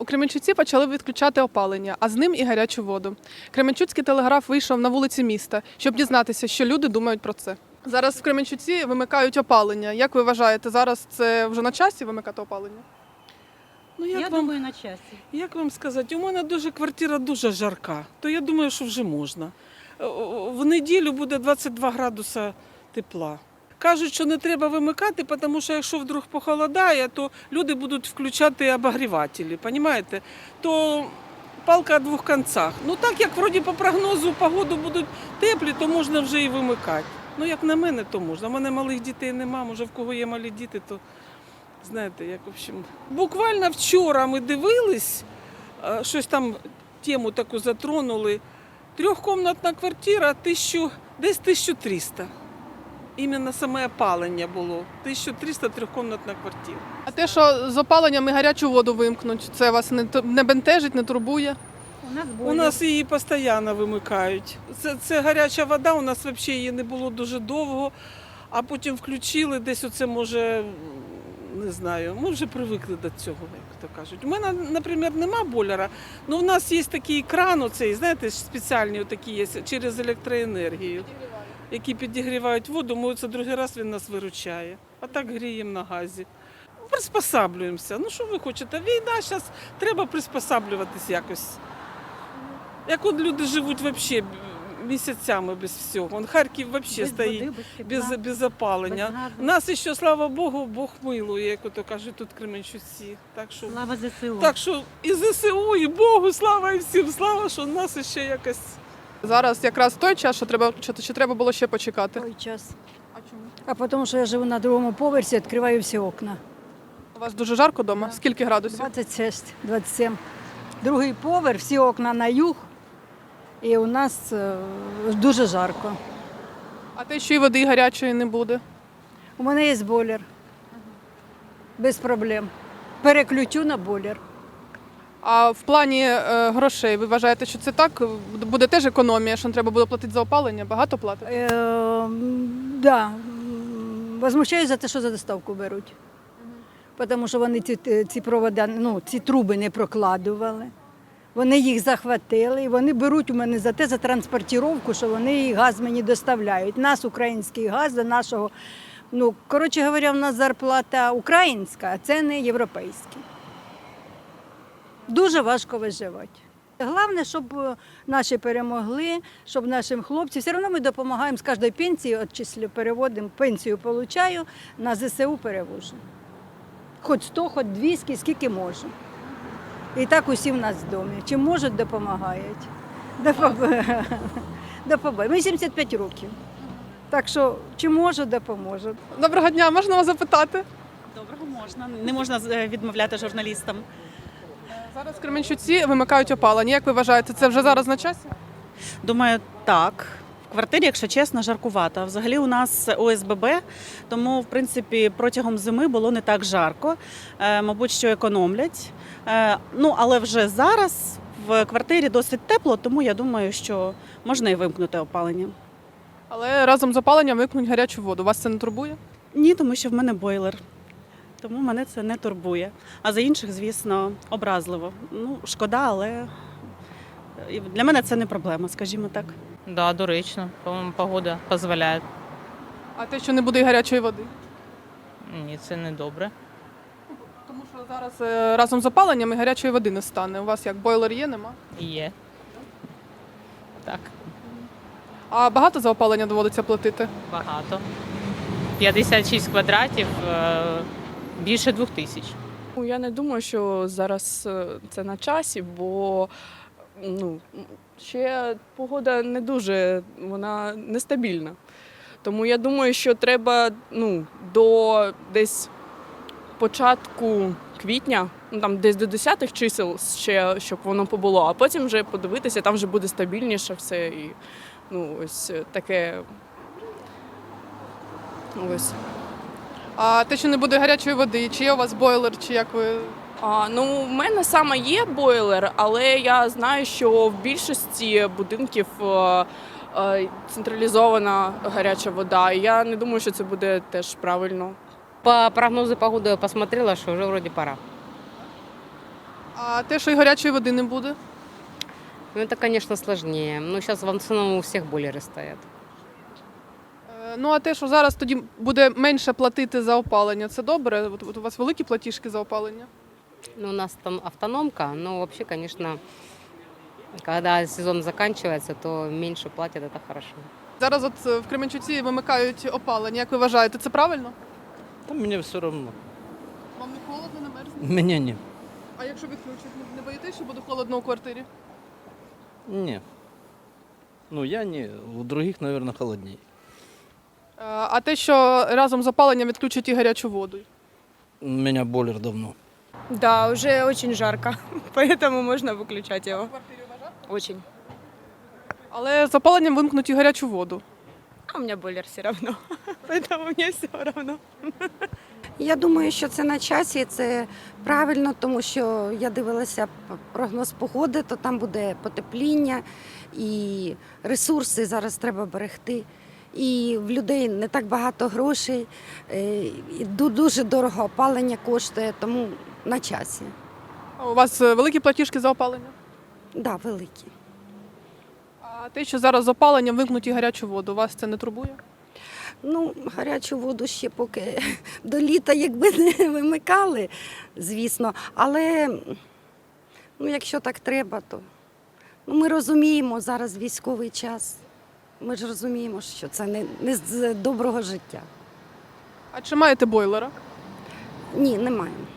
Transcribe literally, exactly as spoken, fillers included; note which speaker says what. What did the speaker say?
Speaker 1: У Кременчуці почали відключати опалення, а з ним і гарячу воду. Кременчуцький телеграф вийшов на вулиці міста, щоб дізнатися, що люди думають про це. Зараз в Кременчуці вимикають опалення. Як ви вважаєте, зараз це вже на часі вимикати опалення?
Speaker 2: Ну, як
Speaker 3: Я
Speaker 2: вам,
Speaker 3: думаю, на часі.
Speaker 2: як вам сказати, у мене дуже квартира дуже жарка, то я думаю, що вже можна. Е, В неділю буде двадцять два градуса тепла. Кажуть, що не треба вимикати, тому що якщо вдруг похолодає, то люди будуть включати обогрівателі, розумієте? То палка о двох кінцях. Ну так як вроді по прогнозу погоду будуть теплі, то можна вже і вимикати. Ну як на мене, то можна. У мене малих дітей нема, може в кого є малі діти, то знаєте, як в общем. Буквально вчора ми дивились, е, щось там тему таку затронули. Трьохкомнатна квартира, тисячу, десь тисяча триста. Іменно саме опалення було. тисяча триста трьохкомнатна квартира.
Speaker 1: А те, що з опаленням і гарячу воду вимкнуть, це вас не, т- не бентежить, не турбує?
Speaker 3: У нас
Speaker 2: У
Speaker 3: бойлер.
Speaker 2: нас її постійно вимикають. Це, це гаряча вода, у нас взагалі її не було дуже довго, а потім включили, десь оце може, не знаю, ми вже привикли до цього, як то кажуть. У мене, наприклад, нема бойлера, але в нас є такий кран, оцей, знаєте, спеціальні такі є, через електроенергію, які підігрівають воду, ми це другий раз він нас виручає. А так гріємо на газі. Приспосаблюємося. Ну що ви хочете? Війна, зараз треба приспосаблюватись якось. Як от люди живуть взагалі місяцями без всього. Вон Харків взагалі
Speaker 3: Без
Speaker 2: стоїть
Speaker 3: води, без
Speaker 2: без,
Speaker 3: тепла,
Speaker 2: без опалення.
Speaker 3: без газу.
Speaker 2: Нас ще, слава Богу, Бог милує, як ото кажуть тут в Кременчуці. Так що,
Speaker 3: Слава ЗСУ.
Speaker 2: так що і ЗСУ, і Богу, слава і всім, слава, що нас ще якось.
Speaker 1: Зараз якраз той час, що треба включати, чи треба було ще почекати?
Speaker 4: Той час.
Speaker 1: А чому?
Speaker 4: А потому що я живу на другому поверсі, відкриваю всі окна.
Speaker 1: У вас дуже жарко вдома?
Speaker 4: Да.
Speaker 1: Скільки градусів?
Speaker 4: двадцять шість, двадцять сім. Другий поверх, всі окна на юг. І у нас е, дуже жарко.
Speaker 1: А те, що і води гарячої не буде?
Speaker 4: У мене є бойлер. Без проблем. Переключу на бойлер.
Speaker 1: А в плані е, грошей, ви вважаєте, що це так? Буде теж економія, що не треба буде платити за опалення? Багато платити?
Speaker 4: Е, м, да. м, Возмущаюсь за те, що за доставку беруть. Тому що вони ці, ці провода, ну, ці труби не прокладували. Вони їх захватили і вони беруть у мене за те, за транспортировку, що вони газ мені доставляють. Нас український газ до нашого, ну, коротше говоря, в нас зарплата українська, а це не європейська. Дуже важко виживати. Головне, щоб е, наші перемогли, щоб нашим хлопцям, все одно ми допомагаємо з кожної пенсії, відчислю, переводимо, пенсію получаю, на ЗСУ перевожу. Хоч сто, хоч двісті, скільки можу. І так усі в нас в домі. Чим можуть, допомагають. Допом- Допомагають. Мені сімдесят п'ять років. Так що, чи можу, допоможу.
Speaker 1: Доброго дня, можна вас запитати?
Speaker 5: Доброго можна. Не можна е, відмовляти журналістам.
Speaker 1: Зараз в Кременчуці вимикають опалення. Як ви вважаєте, це вже зараз на часі?
Speaker 5: Думаю, так. В квартирі, якщо чесно, жаркувато. Взагалі у нас О С Б Б, тому в принципі протягом зими було не так жарко. Е, мабуть, що економлять. Е, ну, але вже зараз в квартирі досить тепло, тому я думаю, що можна і вимкнути опалення.
Speaker 1: Але разом з опаленням вимкнуть гарячу воду. Вас це не турбує?
Speaker 5: Ні, тому що в мене бойлер. Тому мене це не турбує. А за інших, звісно, образливо. Ну, шкода, але для мене це не проблема, скажімо так.
Speaker 6: Да, доречно. По-моєму, погода дозволяє.
Speaker 1: А те, що не буде і гарячої води?
Speaker 6: Ні, це не добре.
Speaker 1: Тому що зараз е, разом з опаленням і гарячої води не стане. У вас як бойлер є, нема?
Speaker 6: Є. Так,
Speaker 1: А багато за опалення доводиться платити?
Speaker 6: багато. п'ятдесят шість квадратів, е, більше двох тисяч.
Speaker 7: Ну, я не думаю, що зараз е, це на часі, бо ну, ще погода не дуже, вона нестабільна. Тому я думаю, що треба ну, до десь початку квітня, ну, там десь до десятих чисел ще, щоб воно побуло, а потім вже подивитися, там вже буде стабільніше все. І ну, ось таке. Ось.
Speaker 1: А те, що не буде гарячої води, чи є у вас бойлер, чи як ви?
Speaker 7: А, ну, в мене саме є бойлер, але я знаю, що в більшості будинків е, е, централізована гаряча вода. І я не думаю, що це буде теж правильно.
Speaker 8: По прогнозу погоды я посмотрела, что уже вроде пора.
Speaker 1: А те, що і гарячої води не буде?
Speaker 3: Ну, это, конечно, сложнее. Но сейчас в основном у всех бойлеры стоят.
Speaker 1: Е, Ну а те, що зараз тоді буде менше платити за опалення, це добре? От, от у вас великі платіжки за опалення?
Speaker 3: Ну, у нас там автономка, но вообще, конечно, когда сезон заканчивается, то меньше платят, это хорошо.
Speaker 1: Зараз от е, в Кременчуці вимикають опалення. Як ви вважаєте, це правильно?
Speaker 8: Та мені все одно.
Speaker 1: Вам не холодно, не мерзне?
Speaker 8: Мені ні.
Speaker 1: А якщо відключать, не- не боїтесь, що буде холодно у квартирі?
Speaker 8: Ні. Ну я ні. У других, мабуть, холодніше.
Speaker 1: Е, А те, що разом з опаленням відключать і гарячу воду?
Speaker 8: У мене бойлер давно.
Speaker 9: Да, уже очень жарко, поэтому можно выключать его. Очень.
Speaker 1: Але з опаленням вимкнуть і гарячу воду.
Speaker 9: А у меня бойлер все равно, поэтому мне все равно.
Speaker 10: Я думаю, що це на часі, і це правильно, тому що я дивилася п- прогноз погоди, то там буде потепління і ресурси зараз треба берегти. І в людей не так багато грошей, е, і ду- дуже дорого опалення коштує, тому на часі.
Speaker 1: А у вас е, великі платіжки за опалення?
Speaker 10: Так, да, великі.
Speaker 1: А те, що зараз з опаленням вимкнуть і гарячу воду, вас це не турбує?
Speaker 10: Ну, гарячу воду ще поки до літа, якби не вимикали, звісно. Але ну, якщо так треба, то ну, ми розуміємо зараз військовий час. Ми ж розуміємо, що це не, не з доброго життя.
Speaker 1: А чи маєте бойлера?
Speaker 10: Ні, не маємо.